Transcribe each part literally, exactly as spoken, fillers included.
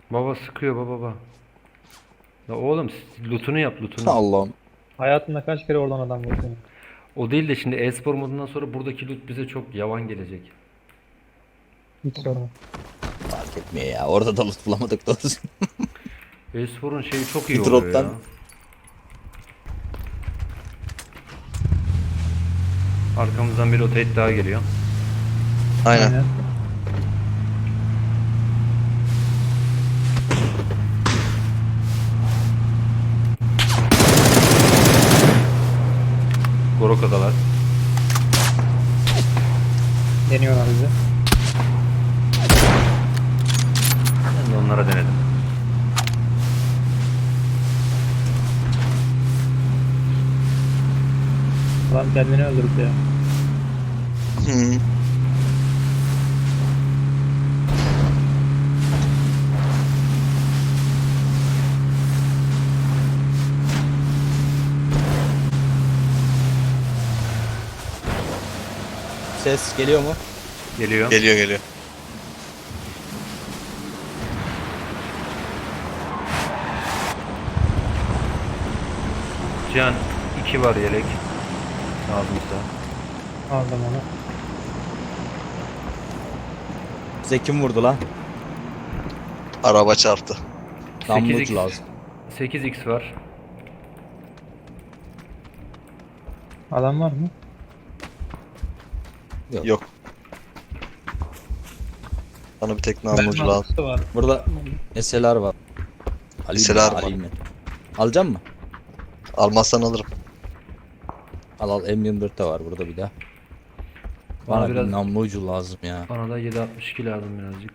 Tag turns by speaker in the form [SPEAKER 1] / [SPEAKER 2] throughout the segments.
[SPEAKER 1] Baba sıkıyor baba baba. Ya oğlum lootunu yap lootunu.
[SPEAKER 2] Allah'ım.
[SPEAKER 3] Hayatımda kaç kere oradan adam vurdum.
[SPEAKER 1] O değil de şimdi e-spor modundan sonra buradaki loot bize çok yavan gelecek.
[SPEAKER 3] Hiç sorma.
[SPEAKER 2] Fark etmiyor ya. Orada da loot bulamadık doğrusu.
[SPEAKER 1] E-sporun şeyi çok iyi
[SPEAKER 2] Bir
[SPEAKER 1] oluyor
[SPEAKER 2] droptan.
[SPEAKER 1] ya. Arkamızdan bir rotate daha geliyor.
[SPEAKER 4] Aynen.
[SPEAKER 1] Goroka'dalar.
[SPEAKER 3] Deniyorlar bizi.
[SPEAKER 1] Ben de onlara denedim.
[SPEAKER 3] Adam kendini öldürdü ya.
[SPEAKER 4] Hı.
[SPEAKER 2] Ses geliyor mu?
[SPEAKER 1] Geliyor.
[SPEAKER 4] Geliyor geliyor.
[SPEAKER 1] Can iki var yelek. Lazımsa.
[SPEAKER 3] Aldım onu.
[SPEAKER 2] Bize kim vurdu lan?
[SPEAKER 4] Araba çarptı.
[SPEAKER 2] Namlucu
[SPEAKER 1] sekiz x
[SPEAKER 2] lazım.
[SPEAKER 1] sekiz x var.
[SPEAKER 3] Adam var mı?
[SPEAKER 4] Yok. Bana bir tek namlucu
[SPEAKER 3] Mermi
[SPEAKER 4] lazım.
[SPEAKER 3] atısı var.
[SPEAKER 2] Burada S L R var. Alayım
[SPEAKER 4] S L
[SPEAKER 2] mı?
[SPEAKER 4] R var.
[SPEAKER 2] Alayım mı? Alacak mı?
[SPEAKER 4] Almazsan alırım.
[SPEAKER 2] Al al M yirmi dört de var burada bir daha.
[SPEAKER 1] Bana
[SPEAKER 2] Bana
[SPEAKER 1] biraz-
[SPEAKER 2] bir namlucu lazım ya.
[SPEAKER 1] Bana da yedi altmış iki lazım birazcık.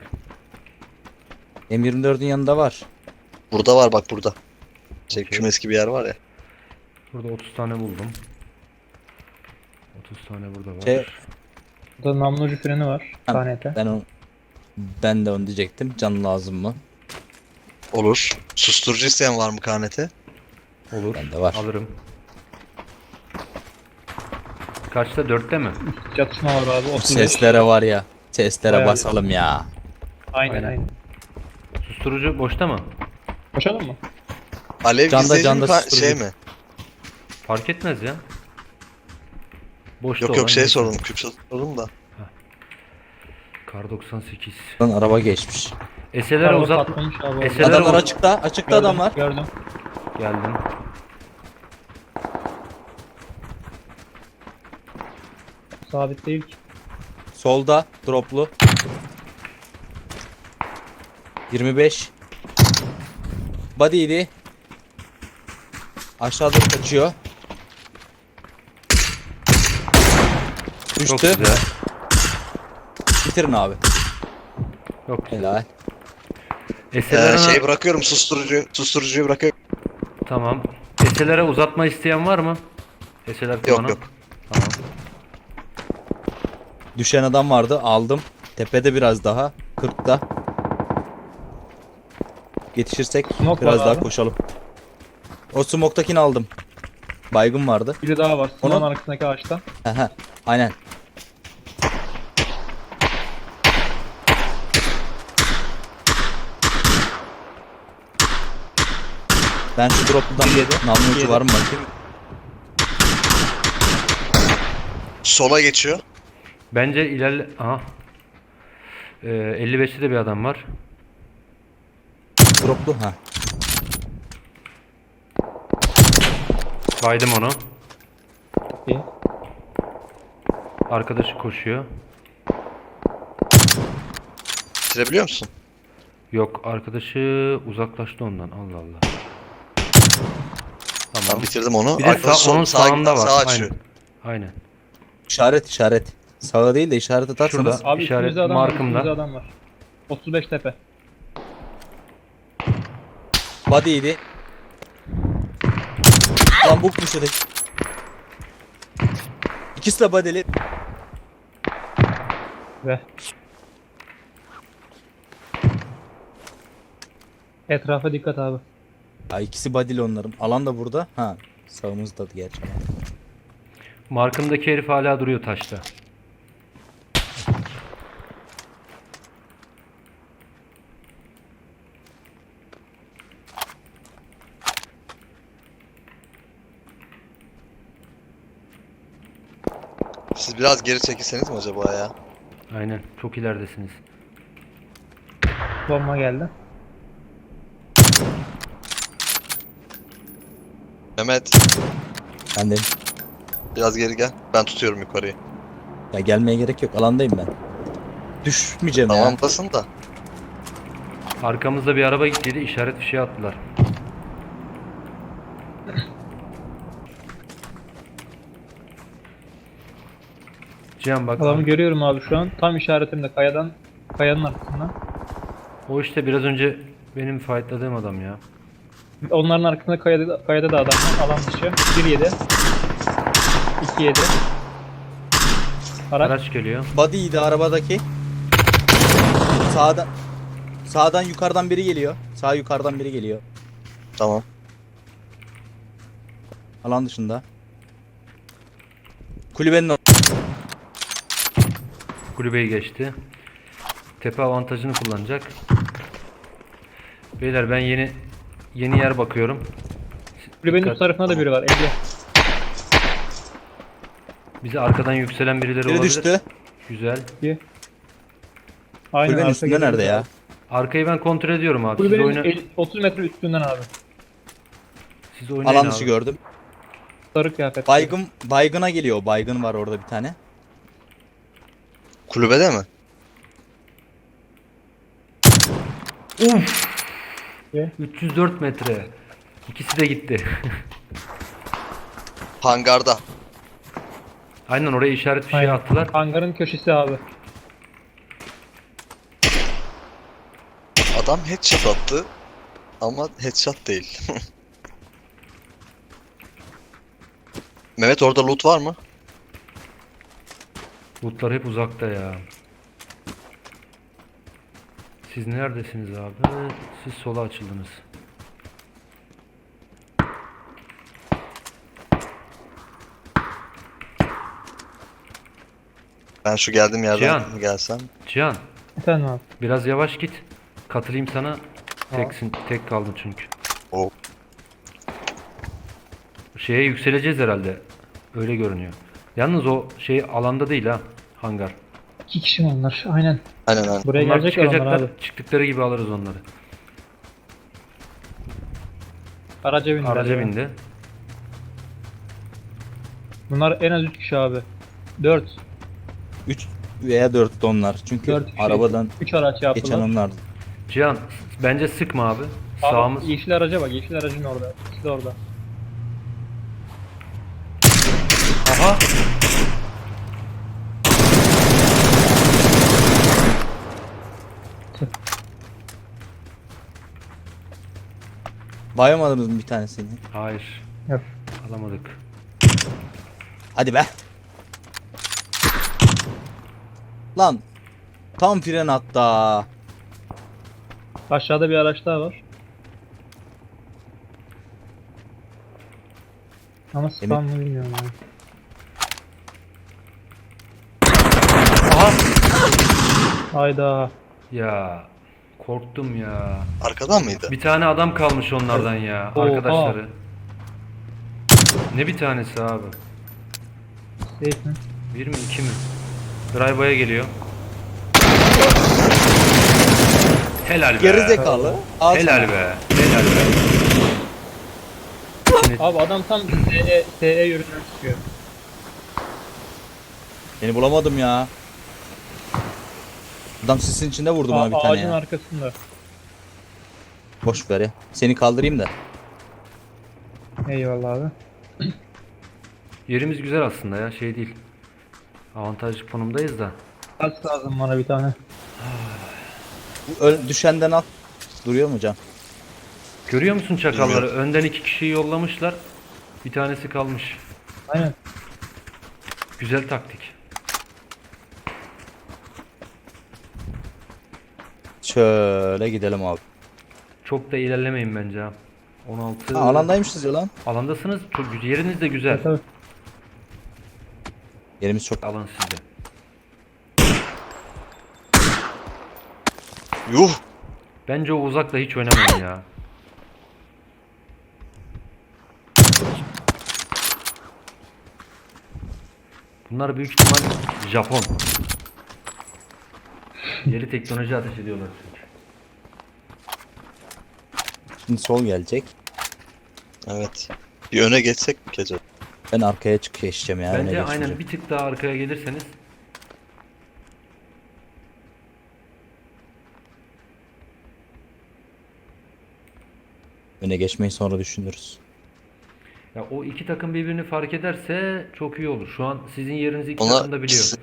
[SPEAKER 2] M yirmi dördün yanında var.
[SPEAKER 4] Burada var bak burada. Şey
[SPEAKER 1] Okey.
[SPEAKER 4] kümes gibi yer var ya.
[SPEAKER 1] Burada otuz tane buldum. otuz tane burada var.
[SPEAKER 2] Şey,
[SPEAKER 3] Burada namlucu freni var.
[SPEAKER 2] Ha,
[SPEAKER 3] K N T.
[SPEAKER 2] ben onu ben de onu diyecektim. Can lazım mı?
[SPEAKER 4] Olur. Susturucu isteyen var mı K N T?
[SPEAKER 1] Olur.
[SPEAKER 2] Bende var.
[SPEAKER 1] Alırım. Kaçta? Dörtte mi?
[SPEAKER 3] Çatışma var abi.
[SPEAKER 2] Bu
[SPEAKER 3] otuz beş.
[SPEAKER 2] seslere var ya. Seslere
[SPEAKER 3] Bayağı-
[SPEAKER 2] basalım ya.
[SPEAKER 3] Aynen
[SPEAKER 1] Aynen.
[SPEAKER 3] aynen.
[SPEAKER 1] Susturucu boşta mı?
[SPEAKER 3] Koşalım mı?
[SPEAKER 4] Alev
[SPEAKER 2] Canda,
[SPEAKER 4] gizleyici
[SPEAKER 2] canda
[SPEAKER 4] mi ka-
[SPEAKER 2] susturucu.
[SPEAKER 4] şey mi?
[SPEAKER 1] Fark etmez ya. Boşta
[SPEAKER 4] Yok
[SPEAKER 1] olan
[SPEAKER 4] yok şey
[SPEAKER 1] neyse.
[SPEAKER 4] sordum. Küp sordum da.
[SPEAKER 1] Kar doksan sekiz.
[SPEAKER 2] Lan araba geçmiş.
[SPEAKER 1] S L R'e
[SPEAKER 3] Araba
[SPEAKER 1] uzat.
[SPEAKER 3] patlamış abi.
[SPEAKER 1] Eser-
[SPEAKER 3] orada.
[SPEAKER 2] Adamlar
[SPEAKER 1] o-
[SPEAKER 2] açıkta. Açıkta
[SPEAKER 3] Gördüm,
[SPEAKER 2] adam var.
[SPEAKER 3] Gördüm.
[SPEAKER 1] Geldim.
[SPEAKER 3] Sabit değil ki.
[SPEAKER 2] Solda droplu. yirmi beş. Body'ydi. Aşağıda kaçıyor.
[SPEAKER 1] Çok
[SPEAKER 2] Düştü.
[SPEAKER 1] güzel.
[SPEAKER 2] Bitirin abi.
[SPEAKER 1] Çok güzel.
[SPEAKER 2] Helal.
[SPEAKER 1] S L
[SPEAKER 4] Ee,
[SPEAKER 1] R'e
[SPEAKER 4] şey bırakıyorum susturucu. Susturucuyu bırakıyorum.
[SPEAKER 1] tamam. S L R'e uzatma isteyen var mı? S L R kullanan.
[SPEAKER 4] yok.
[SPEAKER 1] Tamam.
[SPEAKER 2] Düşen adam vardı. Aldım. Tepede biraz daha. kırkta. Yetişirsek
[SPEAKER 3] Smoke
[SPEAKER 2] biraz
[SPEAKER 3] var
[SPEAKER 2] daha
[SPEAKER 3] abi.
[SPEAKER 2] koşalım. O smoke'takini aldım. Baygın vardı.
[SPEAKER 3] Biri daha var.
[SPEAKER 2] Onu-
[SPEAKER 3] Onun arkasındaki ağaçta.
[SPEAKER 2] Hehe. Aynen. Ben şu dropludan bir namlucu
[SPEAKER 3] Yedi.
[SPEAKER 2] var mı bakayım.
[SPEAKER 4] Sola geçiyor.
[SPEAKER 1] Bence ilerle... Aha. Ee, elli beşte de bir adam var.
[SPEAKER 2] Droplu ha.
[SPEAKER 1] Baydım onu.
[SPEAKER 3] İyi.
[SPEAKER 1] Arkadaşı koşuyor.
[SPEAKER 4] Bitirebiliyor musun?
[SPEAKER 1] Yok, arkadaşı uzaklaştı ondan. Allah Allah. Tamam.
[SPEAKER 4] Ben bitirdim onu.
[SPEAKER 1] Bir de
[SPEAKER 4] Arkadaş
[SPEAKER 1] sağ,
[SPEAKER 4] sol-
[SPEAKER 1] onun
[SPEAKER 4] sağa-
[SPEAKER 1] sağında var.
[SPEAKER 4] Sağa açıyor.
[SPEAKER 1] Aynen. Aynen.
[SPEAKER 2] İşaret işaret. Sağa değil de işaret atarsanız.
[SPEAKER 1] Şurada.
[SPEAKER 3] Abi
[SPEAKER 1] İşaret
[SPEAKER 3] üstümüzde adam var.
[SPEAKER 1] markımda.
[SPEAKER 3] Üstümüzde adam var. otuz beş tepe.
[SPEAKER 2] Body'ydi. Lan bukmuş öteki. İkisi de body'li.
[SPEAKER 3] Ve etrafa dikkat abi.
[SPEAKER 2] Ya ikisi body'li onların. Alan da burada. Ha. Sağımızda gerçi.
[SPEAKER 1] Markımdaki herif hala duruyor taşta.
[SPEAKER 4] Siz biraz geri çekilseniz mi acaba ya?
[SPEAKER 1] Aynen. Çok ileridesiniz.
[SPEAKER 3] Bomba geldi.
[SPEAKER 4] Mehmet
[SPEAKER 2] Ben de.
[SPEAKER 4] biraz geri gel. Ben tutuyorum yukarıyı.
[SPEAKER 2] Ya gelmeye gerek yok. Alandayım ben. Düşmeyeceğim ya.
[SPEAKER 4] Tamamdasın da.
[SPEAKER 1] Arkamızda bir araba gittiydi. İşaret bir şey attılar. Cihan bak.
[SPEAKER 3] Adamı görüyorum abi şu an. Tam işaretimde kayadan. Kayanın arkasından.
[SPEAKER 1] O işte biraz önce benim fightladığım adam ya.
[SPEAKER 3] Onların arkasında kayada, kayada da adam var. Alan dışı. bir yedi. iki yedi. Araç.
[SPEAKER 1] Araç geliyor.
[SPEAKER 2] Body'ydi arabadaki. Sağdan. Sağdan yukarıdan biri geliyor. Sağ yukarıdan biri geliyor.
[SPEAKER 4] Tamam.
[SPEAKER 2] Alan dışında. Kulübenin or-
[SPEAKER 1] Kulübeyi geçti. Tepe avantajını kullanacak. Beyler ben yeni yeni yer bakıyorum.
[SPEAKER 3] Kulübenin
[SPEAKER 1] Dikkat.
[SPEAKER 3] üst tarafında da biri var. elli.
[SPEAKER 1] Bize arkadan yükselen birileri
[SPEAKER 2] biri
[SPEAKER 1] olabilir.
[SPEAKER 2] düştü.
[SPEAKER 1] Güzel.
[SPEAKER 3] İki. Aynen.
[SPEAKER 2] Kulübenin
[SPEAKER 3] arka
[SPEAKER 2] üstünde
[SPEAKER 3] geliyor.
[SPEAKER 2] nerede ya?
[SPEAKER 1] Arkayı ben kontrol ediyorum abi. Siz
[SPEAKER 3] Kulübenin
[SPEAKER 1] oyna
[SPEAKER 3] el- otuz metre üstünden abi.
[SPEAKER 1] siz oynayın
[SPEAKER 2] Alan
[SPEAKER 1] abi.
[SPEAKER 2] dışı gördüm.
[SPEAKER 3] Sarı kıyafet.
[SPEAKER 2] Baygın baygına geliyor. Baygın var orada bir tane.
[SPEAKER 4] Kulübede mi?
[SPEAKER 1] Uf!
[SPEAKER 3] Ve
[SPEAKER 1] üç yüz dört metre. İkisi de gitti.
[SPEAKER 4] Hangarda.
[SPEAKER 1] Aynen oraya işaret bir şey
[SPEAKER 3] Aynen.
[SPEAKER 1] attılar.
[SPEAKER 3] Hangarın köşesi abi.
[SPEAKER 4] Adam headshot attı. Ama headshot değil. Mehmet orada loot var mı?
[SPEAKER 1] Lootlar hep uzakta ya. Siz neredesiniz abi? Siz sola açıldınız.
[SPEAKER 4] Ben şu geldiğim yerden
[SPEAKER 1] Cihan.
[SPEAKER 4] gelsem.
[SPEAKER 1] Cihan
[SPEAKER 3] Efendim abi.
[SPEAKER 1] biraz yavaş git. Katılayım sana. Teksin, tek kaldın çünkü.
[SPEAKER 4] O
[SPEAKER 1] Şeye yükseleceğiz herhalde. Öyle görünüyor. Yalnız o şey alanda değil ha. Hangar.
[SPEAKER 3] İki kişi mi onlar? Aynen.
[SPEAKER 4] aynen aynen.
[SPEAKER 3] Buraya
[SPEAKER 1] Onlar
[SPEAKER 3] gelecek adamlar
[SPEAKER 1] çıkacaklar.
[SPEAKER 3] abi.
[SPEAKER 1] Çıktıkları gibi alırız onları.
[SPEAKER 3] Araca bindiler.
[SPEAKER 1] Araca
[SPEAKER 3] ya.
[SPEAKER 1] bindi.
[SPEAKER 3] Bunlar en az üç kişi abi. dört.
[SPEAKER 2] üç veya dört de onlar. Çünkü
[SPEAKER 3] dört kişi.
[SPEAKER 2] arabadan
[SPEAKER 3] üç araç
[SPEAKER 2] geçen
[SPEAKER 3] yaptılar.
[SPEAKER 2] onlar.
[SPEAKER 1] Cihan bence sıkma abi.
[SPEAKER 3] Abi,
[SPEAKER 1] Sağımız.
[SPEAKER 3] yeşil araca bak. Yeşil aracın orada. İkisi de orada.
[SPEAKER 1] Aha.
[SPEAKER 2] Bayamadınız mı bir tanesini?
[SPEAKER 1] Hayır.
[SPEAKER 3] Yok.
[SPEAKER 1] Alamadık.
[SPEAKER 2] Hadi be. Lan. Tam fren hatta.
[SPEAKER 3] Aşağıda bir araç daha var. Ama spam mı bilmiyorum abi.
[SPEAKER 1] Aha.
[SPEAKER 3] Hayda.
[SPEAKER 1] Ya korktum ya.
[SPEAKER 4] Arkadan mıydı?
[SPEAKER 1] Bir tane adam kalmış onlardan ya.
[SPEAKER 3] Oha.
[SPEAKER 1] Arkadaşları. Ne bir tanesi abi?
[SPEAKER 3] Safe mi?
[SPEAKER 1] Bir mi iki mi? Drive'a geliyor. Helal be.
[SPEAKER 2] Geri zekalı. Al
[SPEAKER 1] Helal
[SPEAKER 2] sana.
[SPEAKER 1] be. Helal be. Şimdi
[SPEAKER 3] Abi adam tam S E, S E yönünden çıkıyor.
[SPEAKER 2] Beni bulamadım ya. Adam sisin içinde vurdu bana
[SPEAKER 3] A-
[SPEAKER 2] bir tane
[SPEAKER 3] ağacın
[SPEAKER 2] ya.
[SPEAKER 3] arkasında.
[SPEAKER 2] Boş ver ya. Seni kaldırayım da.
[SPEAKER 3] Eyvallah abi.
[SPEAKER 1] yerimiz güzel aslında ya, şey değil. Avantajlı konumdayız da.
[SPEAKER 3] Kaç lazım bana bir tane.
[SPEAKER 2] Bu öl- düşenden al. Duruyor mu can?
[SPEAKER 1] Görüyor musun çakalları?
[SPEAKER 4] Bilmiyorum.
[SPEAKER 1] Önden iki kişiyi yollamışlar. Bir tanesi kalmış.
[SPEAKER 3] Aynen.
[SPEAKER 1] Güzel taktik.
[SPEAKER 2] Şöyle gidelim abi.
[SPEAKER 1] Çok da ilerlemeyin bence ha. on altı.
[SPEAKER 2] Ha, alandaymışız ya lan.
[SPEAKER 1] Alandasınız. Çok güzel. Yeriniz de güzel.
[SPEAKER 3] Tabii.
[SPEAKER 2] Yerimiz çok.
[SPEAKER 1] Alan sizde.
[SPEAKER 4] Yuh!
[SPEAKER 1] Bence o uzakla hiç oynamayın ya. Bunlar büyük ihtimal Japon. Yeni teknoloji ateş ediyorlar çünkü.
[SPEAKER 2] Şimdi sol gelecek.
[SPEAKER 4] Evet. Bir öne geçsek mi ki acaba?
[SPEAKER 2] Ben arkaya çıkış geçeceğim ya. öne
[SPEAKER 1] Bence
[SPEAKER 2] geçmeyeceğim.
[SPEAKER 1] aynen bir tık daha arkaya gelirseniz
[SPEAKER 2] Öne geçmeyi sonra düşünürüz.
[SPEAKER 1] ya o iki takım birbirini fark ederse çok iyi olur. Şu an sizin yerinizi iki
[SPEAKER 4] Ona-
[SPEAKER 1] takım da biliyor.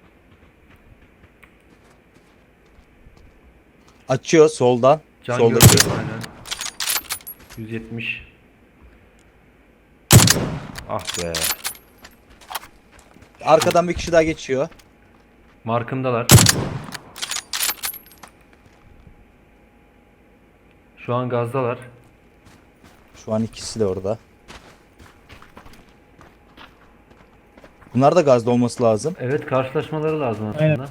[SPEAKER 2] Açıyor soldan.
[SPEAKER 1] Can
[SPEAKER 2] Soldaki.
[SPEAKER 1] gördü aynen. yüz yetmiş. Ah be.
[SPEAKER 2] Arkadan bir kişi daha geçiyor.
[SPEAKER 1] Markımdalar. Şu an gazdalar.
[SPEAKER 2] Şu an ikisi de orada. Bunlar da gazda olması lazım.
[SPEAKER 1] Evet, karşılaşmaları lazım aslında.
[SPEAKER 3] Aynen.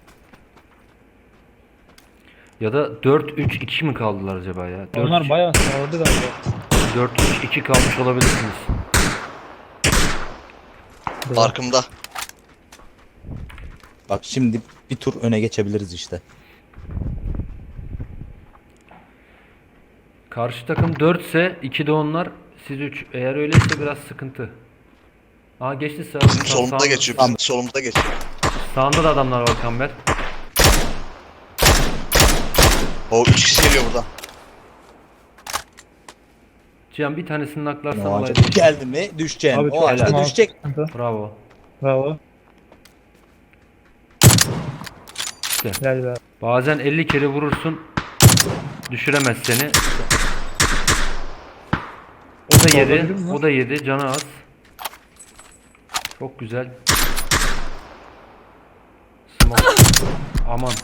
[SPEAKER 1] Ya da dört üç iki mi kaldılar acaba ya?
[SPEAKER 3] Onlar bayağı sağladı galiba.
[SPEAKER 1] dört üç iki kalmış olabilirsiniz.
[SPEAKER 4] Arkamda.
[SPEAKER 2] Bak şimdi bir tur öne geçebiliriz işte.
[SPEAKER 1] Karşı takım dört ise iki de onlar, siz üç. Eğer öyleyse biraz sıkıntı. Aa geçti sağ.
[SPEAKER 4] Bizim solumuzda geçiyor. Bizim solumuzda geçiyor.
[SPEAKER 1] Sağında da adamlar var Kamber.
[SPEAKER 4] O üç kişi geliyor buradan.
[SPEAKER 1] Cihan bir tanesini naklarsan
[SPEAKER 2] O
[SPEAKER 1] olay
[SPEAKER 2] ağaca
[SPEAKER 1] değişir.
[SPEAKER 2] geldi mi düşeceksin.
[SPEAKER 3] Abi
[SPEAKER 2] O
[SPEAKER 3] çok
[SPEAKER 2] ağaçta
[SPEAKER 1] helal.
[SPEAKER 2] düşecek.
[SPEAKER 3] Sıkıntı.
[SPEAKER 1] Bravo.
[SPEAKER 3] Bravo.
[SPEAKER 1] İşte.
[SPEAKER 3] Helal be.
[SPEAKER 1] Bazen elli kere vurursun, düşüremez seni. O da yedi,
[SPEAKER 3] Olabilir mi?
[SPEAKER 1] o da yedi, canı az. Çok güzel. Smoke. Aman.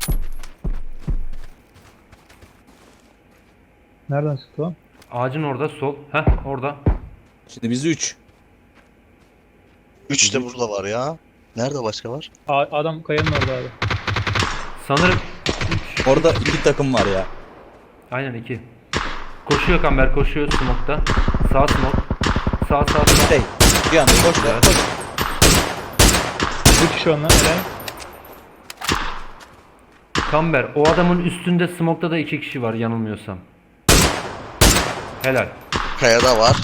[SPEAKER 3] Nereden sıktı o?
[SPEAKER 1] Ağacın orada, sol. Heh, orada.
[SPEAKER 2] Şimdi biz üç.
[SPEAKER 4] Üç de burada var ya. Nerede başka var?
[SPEAKER 3] A- adam kayanın orada abi.
[SPEAKER 1] Sanırım
[SPEAKER 2] Orada iki takım var ya.
[SPEAKER 1] aynen iki. Koşuyor Kamber, koşuyor smoke'ta. Sağ smoke. Sağ sağ sağ.
[SPEAKER 2] Şey, bir anda koş ver, koş.
[SPEAKER 3] Bir kişi onlar. Helal.
[SPEAKER 1] Kamber, o adamın üstünde smoke'ta da iki kişi var yanılmıyorsam. Helal.
[SPEAKER 4] Kayada var.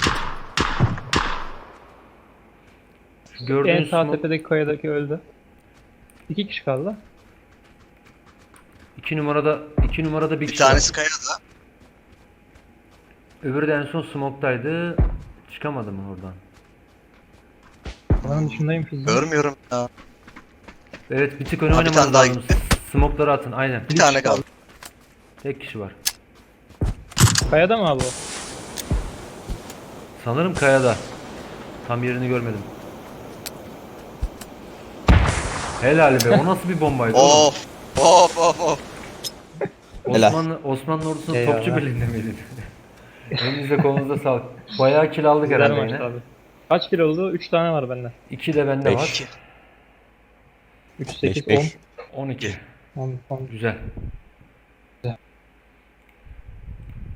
[SPEAKER 3] En
[SPEAKER 1] Gördüğünüz
[SPEAKER 3] sağ
[SPEAKER 1] smoke,
[SPEAKER 3] tepedeki kayadaki öldü. İki kişi kaldı.
[SPEAKER 1] iki numarada iki numarada bir
[SPEAKER 4] Bir
[SPEAKER 1] kişi var.
[SPEAKER 4] tanesi kayada.
[SPEAKER 1] Öbürü de en son smoke'taydı. Çıkamadı mı oradan?
[SPEAKER 3] Alanın dışındayım fiziğim.
[SPEAKER 4] Görmüyorum ya.
[SPEAKER 1] Evet, bir tık öne
[SPEAKER 4] Ha, bir
[SPEAKER 1] oynamanız
[SPEAKER 4] tane daha
[SPEAKER 1] lazım.
[SPEAKER 4] gitti.
[SPEAKER 1] Smoke'ları atın aynen.
[SPEAKER 4] Bir tane kaldı.
[SPEAKER 1] Tek kişi var.
[SPEAKER 3] Kayada mı abi o?
[SPEAKER 1] Sanırım kayada. Tam yerini görmedim. Helal be, o nasıl bir bombaydı oğlum?
[SPEAKER 4] Of. Of of of.
[SPEAKER 2] Helal.
[SPEAKER 1] Osmanlı, Osmanlı ordusunun
[SPEAKER 3] Eyvallah.
[SPEAKER 1] topçu birliğinde miydin? Elinize kolunuza sağlık. Bayağı kill aldık
[SPEAKER 3] Güzel
[SPEAKER 1] herhalde
[SPEAKER 3] maç
[SPEAKER 1] yine.
[SPEAKER 3] abi. Kaç kilo oldu? üç tane var bende.
[SPEAKER 1] iki de bende
[SPEAKER 2] Beş.
[SPEAKER 1] var.
[SPEAKER 3] üç, sekiz,
[SPEAKER 2] beş, beş.
[SPEAKER 3] on.
[SPEAKER 1] on iki.
[SPEAKER 3] on, on.
[SPEAKER 1] Güzel.